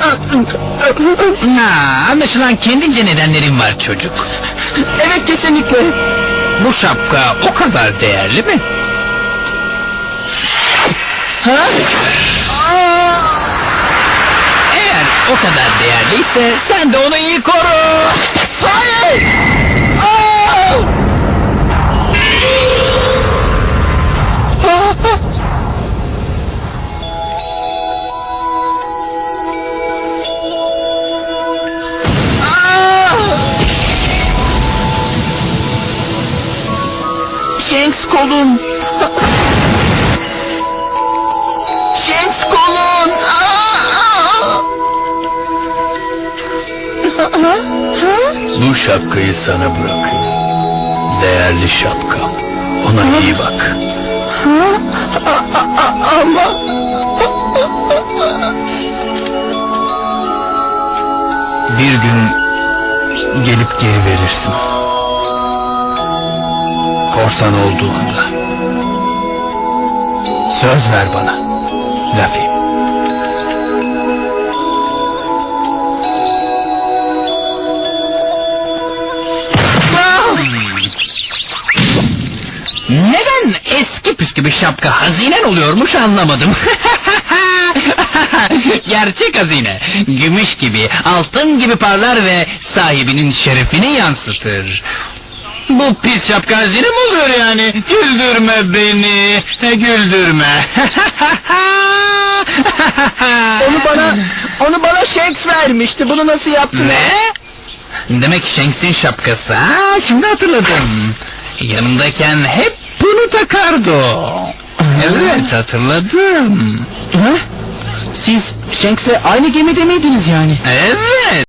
Anlaşılan kendince nedenlerin var çocuk. Evet, kesinlikle. Bu şapka o kadar değerli mi? Ha? Eğer o kadar değerliyse sen de onu iyi koru. Hayır! Shanks kolun. Shanks kolun. Bu şapkayı sana bırakıyorum. Değerli şapkam. Ona iyi bak. Ama... Bir gün gelip geri verirsin. Korsan olduğunda. Söz ver bana, Luffy. Neden eski püskü bir şapka hazinen oluyormuş anlamadım. Gerçek hazine, gümüş gibi, altın gibi parlar ve sahibinin şerefini yansıtır. Bu pis şapka hazine mi oluyor yani? Güldürme beni, güldürme. Onu bana Shanks vermişti. Bunu nasıl yaptın? Ne? Demek Shanks'in şapkası. Şimdi hatırladım. Yanımdayken hep bunu takardı o. Evet, hatırladım. Ha? Siz Shanks'le aynı gemide miydiniz yani? Evet.